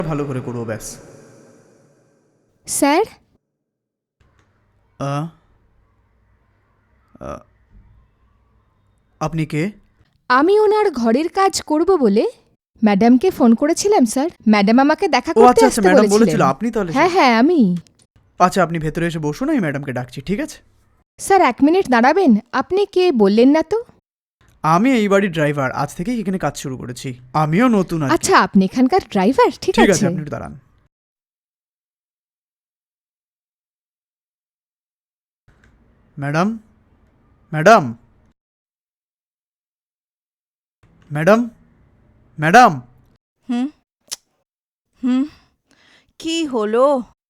ভালো করে করবো ব্যাস। স্যার, আ, আ, আপনি কে? আমি ওনার ঘরের কাজ করব বলে ম্যাডামকে ফোন করেছিলাম স্যার। ম্যাডাম আমাকে দেখা ও করতে আচ্ছা আচ্ছা, আসতে ম্যাডাম বলেছিলেন। বলেছিল আপনি তাহলে? হ্যাঁ হ্যাঁ, আমি। আচ্ছা, আপনি ভেতরে এসে বসুন, আমি ম্যাডামকে ডাকছি, ঠিক আছে? স্যার 1 মিনিট দাঁড়াবেন? আপনি কে বললেন না তো? আমি এই বাড়ির ড্রাইভার, আজ থেকেই এখানে কাজ শুরু করেছি। আমিও নতুন আর কি। আচ্ছা, আপনি এখানকার ড্রাইভার? ঠিক ঠিক আছে, আছে। আপনি একটু দাঁড়ান। Madam, madam, madam, madam. হুম হুম কি হলো?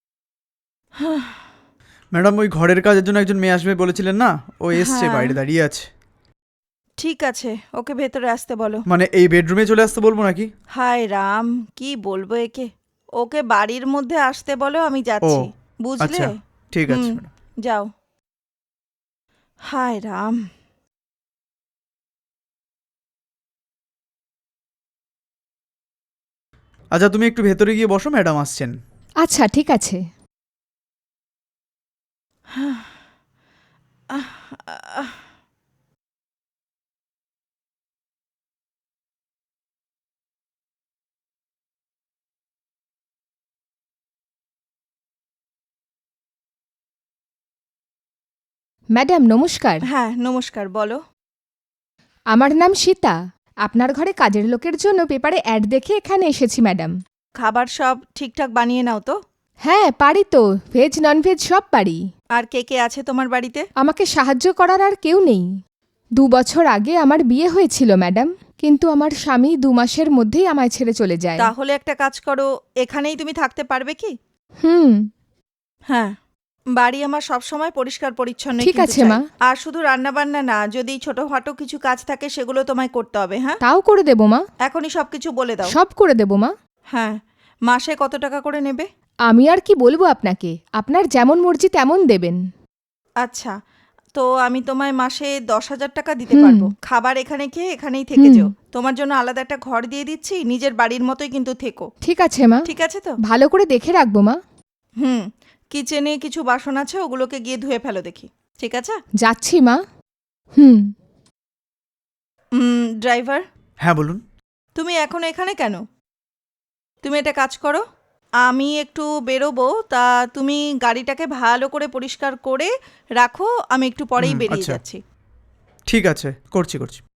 ম্যাডাম, ওই ঘরের কাজের জন্য একজন মেয়ে আসবে বলেছিলেন না, ও এসছে, হ্যাঁ, বাইরে দাঁড়িয়ে আছে। ঠিক আছে, ওকে ভেতরে আসতে বলো। মানে এই বেডরুমে চলে আসতে বলবো নাকি? হায় রাম, কি বলবো একে। ওকে বাড়ির মধ্যে আসতে বলো, আমি ও যাচ্ছি। বুঝলে? আচ্ছা, ঠিক আছে হুম, ম্যাডাম। যাও। হায় রাম। আচ্ছা, তুমি একটু ভেতরে গিয়ে বসো, ম্যাডাম আসছেন। আচ্ছা, ঠিক আছে। আহ, আহ, ম্যাডাম নমস্কার। হ্যাঁ, নমস্কার, বলো। আমার নাম সীতা। আপনার ঘরে কাজের লোকের জন্য পেপারে অ্যাড দেখে এখানে এসেছি ম্যাডাম। খাবার সব ঠিকঠাক বানিয়ে নাও তো? হ্যাঁ, পারি তো। ভেজ ননভেজ সব পারি। আর কে কে আছে তোমার বাড়িতে? আমাকে সাহায্য করার আর কেউ নেই। 2 বছর আগে আমার বিয়ে হয়েছিল ম্যাডাম, কিন্তু আমার স্বামী 2 মাসের মধ্যেই আমায় ছেড়ে চলে যায়। তাহলে একটা কাজ করো, এখানেই তুমি থাকতে পারবে কি? হুম। হ্যাঁ, বাড়ি আমার সব সময় পরিষ্কার পরিচ্ছন্ন ঠিক কিন্তু আছে চাই। মা। আর শুধু রান্না বান্না না, যদি ছোটখাটো কিছু কাজ থাকে সেগুলো তোমায় করতে হবে। হ্যাঁ, তাও করে দেব মা। এখনই সবকিছু বলে দাও। সব করে দেব মা। হ্যাঁ, মাসে কত টাকা করে নেবে? আমি আর কি বলবো আপনাকে, আপনার যেমন মর্জি তেমন দেবেন। আচ্ছা, তো আমি তোমায় মাসে 10,000 টাকা দিতে হুম। পারবো। খাবার এখানে খেয়ে এখানেই থেকে হুম। যেও। তোমার জন্য আলাদা একটা ঘর দিয়ে দিচ্ছি, নিজের বাড়ির মতোই কিন্তু থেকো। ঠিক আছে মা। ঠিক আছে তো? ভালো করে দেখে রাখবো মা। হুম, কিচেনে কিছু বাসন আছে, ওগুলোকে গিয়ে ধুয়ে ফেলো দেখি। ঠিক আছে? যাচ্ছি মা। হুম। ড্রাইভার, হ্যাঁ বলুন। তুমি এখনো এখানে কেন? তুমি একটা কাজ করো, আমি একটু বেরোবো, তা তুমি গাড়িটাকে ভালো করে পরিষ্কার করে রাখো, আমি একটু পরেই বেরিয়ে আচ্ছা, যাচ্ছি। ঠিক আছে, করছি করছি।